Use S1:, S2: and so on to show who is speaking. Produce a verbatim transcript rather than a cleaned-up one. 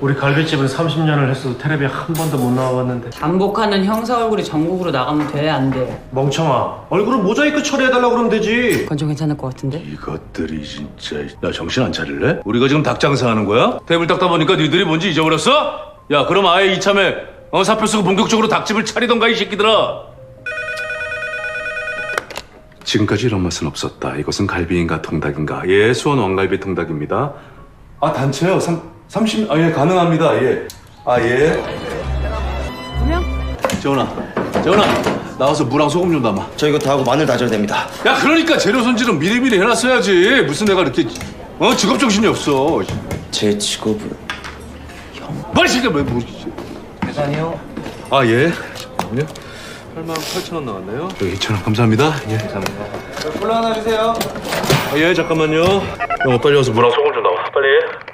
S1: 우리 갈비집은 삼십 년을 했어도 텔레비에 한 번도 못 나와봤는데.
S2: 반복하는 형사 얼굴이 전국으로 나가면 돼, 안 돼?
S1: 멍청아, 얼굴은 모자이크 처리해달라고 그러면 되지.
S2: 그건 좀 괜찮을 것 같은데?
S3: 이것들이 진짜. 야, 정신 안 차릴래? 우리가 지금 닭 장사하는 거야? 테이블 닦다 보니까 니들이 뭔지 잊어버렸어? 야, 그럼 아예 이참에 어, 사표 쓰고 본격적으로 닭집을 차리던가 이 새끼들아. 지금까지 이런 맛은 없었다. 이것은 갈비인가 통닭인가? 예, 수원 왕갈비 통닭입니다. 아, 단체요? 삼, 삼십, 아, 예, 가능합니다. 예. 아, 예.
S2: 그냥?
S3: 재훈아, 재훈아, 나와서 무랑 소금 좀 담아.
S4: 저 이거 다 하고 마늘 다져야 됩니다.
S3: 야, 그러니까 재료 손질은 미리미리 해놨어야지. 무슨 내가 이렇게 어 직업 정신이 없어.
S4: 제 직업은
S3: 빨리 시켜. 뭐, 뭐.
S4: 계산이요.
S3: 아, 예. 잠깐만요. 팔만 팔천 원 나왔네요. 여기 이천 원 감사합니다. 예, 감사합니다.
S4: 콜라 하나 주세요.
S3: 아, 예, 잠깐만요. 형, 빨리 와서 무랑 소금 좀 담아. 빨리.